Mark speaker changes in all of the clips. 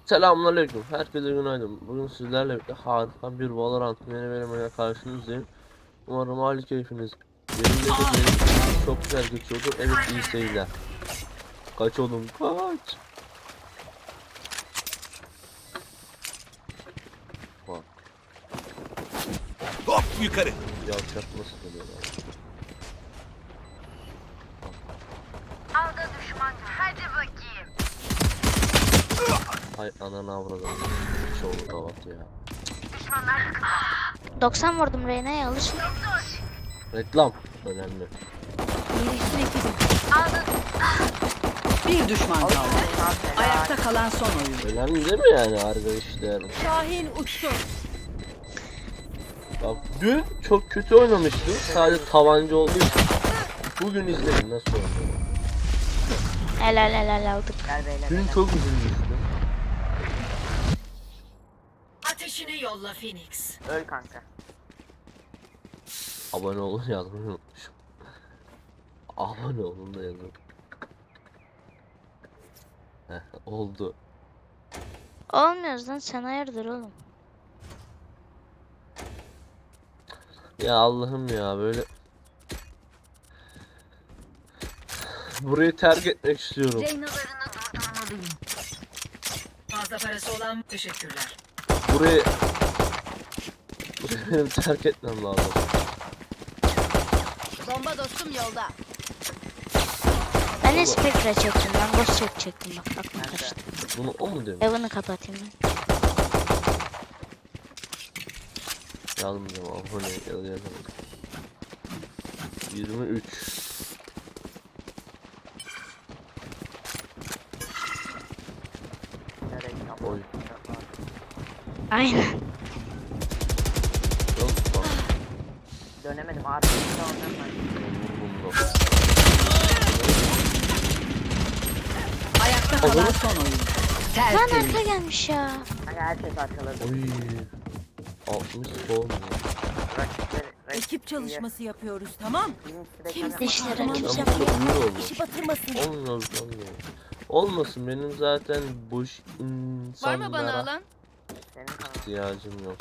Speaker 1: Selamünaleyküm. Herkese günaydın. Bugün sizlerle birlikte harika bir Valorant yeni bölümüyle karşınızdayım. Umarım hali keyfiniz yerindedir. Benim çok güzel geçiyordur. Evet, iyi seyirler. Kaç oğlum, kaç. Bak.
Speaker 2: Hop yukarı.
Speaker 1: Yavşak nasıl geliyorlar.
Speaker 3: Alda düşman. Hadi bakayım.
Speaker 1: Hay ananı avradım. Çoğu kavat ya.
Speaker 3: Düşmanlar yakında.
Speaker 4: 90 vurdum Reyna'ya alışın.
Speaker 1: Reklam önemli.
Speaker 3: Alda.
Speaker 5: Bir düşman kaldı. Ayakta kalan son oyun.
Speaker 1: Önemli değil mi yani arkadaşlar?
Speaker 5: Şahin uçtu.
Speaker 1: Bak dün çok kötü oynamıştım. Sadece tabanca olduğu için. Bugün izledim nasıl oynuyor.
Speaker 4: Helal aldık.
Speaker 1: Dün çok üzülmüştüm.
Speaker 5: Ateşini yolla Phoenix.
Speaker 6: Öl kanka.
Speaker 1: Abone olun yazmayı unutmuşum. Abone olun da yazın. Heh, oldu.
Speaker 4: Olmuyoruz lan, sen hayırdır oğlum.
Speaker 1: Ya Allah'ım ya, böyle burayı terk etmek istiyorum.
Speaker 3: Reynalarını durdurmalıyım.
Speaker 5: Fazla parası olan teşekkürler.
Speaker 1: Burayı benim terk etmem lazım.
Speaker 3: Bomba dostum yolda.
Speaker 4: Ben de Spectre çektim, ben boss çekecektim, bak aklıma karıştı.
Speaker 1: Bunu o mu demiş?
Speaker 4: Evan'ı kapatayım ben.
Speaker 1: Yazmayacağım, abone yazalım. 23. Oy.
Speaker 4: Aynen.
Speaker 1: Yok bak.
Speaker 6: Dönemedim abi. Ondan
Speaker 1: Vurdum da.
Speaker 5: Ayakta kalan son oyun.
Speaker 4: Lan
Speaker 5: Tertemiz.
Speaker 4: arka gelmiş ya.
Speaker 6: Hani herkes arkaladı.
Speaker 1: Oy. 60 sol mu?
Speaker 5: Ekip çalışması yapıyoruz, tamam?
Speaker 4: Dişleri
Speaker 1: Ben
Speaker 4: kimse
Speaker 1: burada uyuyor oldum.
Speaker 5: batırmasın.
Speaker 1: Olmuyor. Olmasın, benim zaten boş
Speaker 3: Var mı bana
Speaker 1: insanlara
Speaker 3: alan?
Speaker 6: Senin kanalın.
Speaker 1: ihtiyacım yok.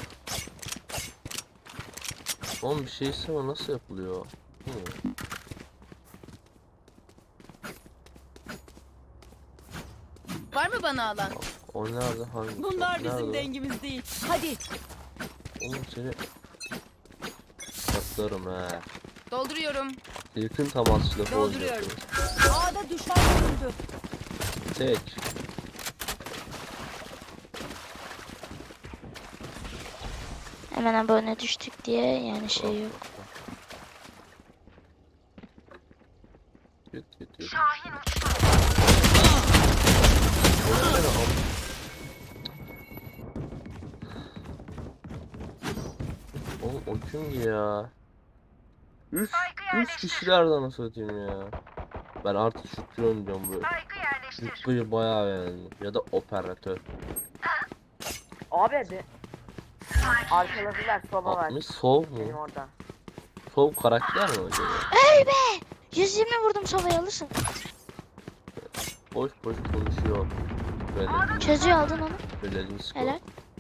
Speaker 1: Oğlum bir şey isteme, nasıl yapılıyor?
Speaker 3: Var mı bana alan?
Speaker 1: O nerede, hangi?
Speaker 5: Bunlar
Speaker 1: nerede
Speaker 5: bizim
Speaker 1: o?
Speaker 5: dengimiz değil. Hadi.
Speaker 1: Oğlum seni saklarım he.
Speaker 3: Dolduruyorum.
Speaker 1: Yakın temas lafı
Speaker 5: Dolduruyorum.
Speaker 1: olacaktı.
Speaker 5: A'da düşman görüldü.
Speaker 1: Tek.
Speaker 4: Hemen abone düştük diye yani şey yok.
Speaker 1: Git.
Speaker 3: Şahin uçtu.
Speaker 1: Oğlum o kimdi ya? Üç kişilerden nasıl atayım ya? Ben artık Şükrü oynayacağım böyle.
Speaker 3: Saygı yerleştir.
Speaker 1: Şükrü'yü bayağı beğendim. Ya da operatör.
Speaker 6: Abi de. Arkaladılar soba var.
Speaker 1: 60 sol
Speaker 6: Benim
Speaker 1: mu?
Speaker 6: orada.
Speaker 1: Sol karakter mi acaba?
Speaker 4: Öl be! 120 vurdum sobaya, alırsın.
Speaker 1: Boş konuşuyor. Böyle
Speaker 4: Çözüyor, aldın onu.
Speaker 1: Belensko.
Speaker 4: Helal.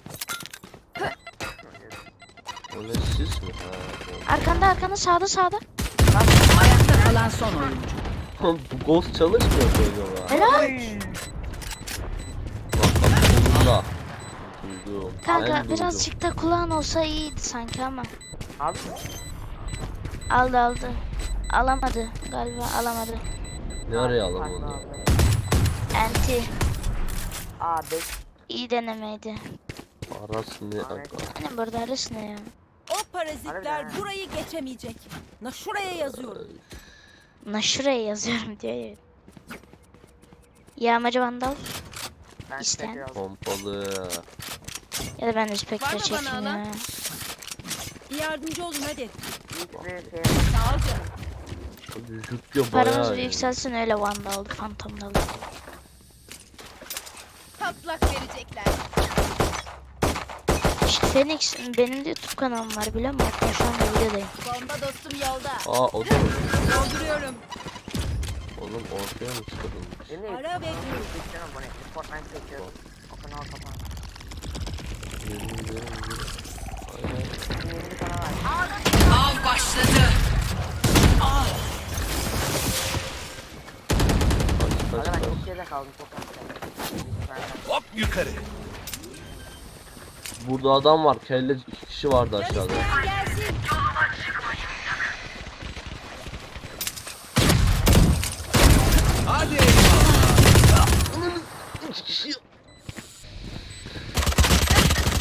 Speaker 1: O ne, siz mi? Ha,
Speaker 4: Arkanda sağda.
Speaker 5: Ayakta kalan son oyun.
Speaker 1: oğlum bu ghost çalışmıyor böyle.
Speaker 4: Helal.
Speaker 1: Bak sonunda. Duydum.
Speaker 4: Kanka
Speaker 1: Ben duydum.
Speaker 4: birazcık da kulağın olsa iyiydi sanki ama.
Speaker 6: Abi.
Speaker 4: Aldı. Alamadı galiba, alamadı.
Speaker 1: Ne araya
Speaker 6: Farklı
Speaker 1: alamadı?
Speaker 6: aldı.
Speaker 4: Enti.
Speaker 6: Abi.
Speaker 4: İyi denemeydi.
Speaker 1: Aras ne aga?
Speaker 4: Hani burada arası ne ya?
Speaker 5: O parazitler
Speaker 6: Harbiden.
Speaker 5: burayı geçemeyecek. Şuraya yazıyorum.
Speaker 4: Şuraya yazıyorum diyor ya. Yağmacı vandal
Speaker 6: Ben
Speaker 4: İsteyen.
Speaker 6: tekrar aldım.
Speaker 1: Pompalı.
Speaker 4: ya da ben de
Speaker 3: Var
Speaker 4: Spectre
Speaker 3: mı bana
Speaker 4: çekeyim
Speaker 3: alan?
Speaker 4: ya.
Speaker 5: Yardımcı olun hadi.
Speaker 6: İlk bir şey.
Speaker 5: Sağ ol canım.
Speaker 1: Yüklüyor
Speaker 4: Paramız
Speaker 1: bayağı
Speaker 4: bir
Speaker 1: iyi.
Speaker 4: yükselsin, öyle vandal fantomda alır.
Speaker 3: Patlak verecekler.
Speaker 4: İşte Phoenix, benim de YouTube kanalım var biliyor musun? Hatta şu anda videodayım.
Speaker 3: Bomba dostum yolda.
Speaker 1: Aa o da
Speaker 3: Dolduruyorum.
Speaker 1: Oğlum ortaya mı çıkardın?
Speaker 6: Değil mi?
Speaker 3: Ara bekliyorum.
Speaker 6: Geçiyorum bu ne? Fortnite çekiyorum. O kanal kapan.
Speaker 1: Yemin ederim. Aynen.
Speaker 6: 20 kanal var.
Speaker 5: Av başladı.
Speaker 1: Kaç
Speaker 6: Aga
Speaker 1: kaç
Speaker 6: ben
Speaker 1: kaç.
Speaker 6: çok geride kaldım çok az.
Speaker 2: Hop yukarı.
Speaker 1: Burada adam var. Kelle 2 kişi vardı aşağıda.
Speaker 3: Gel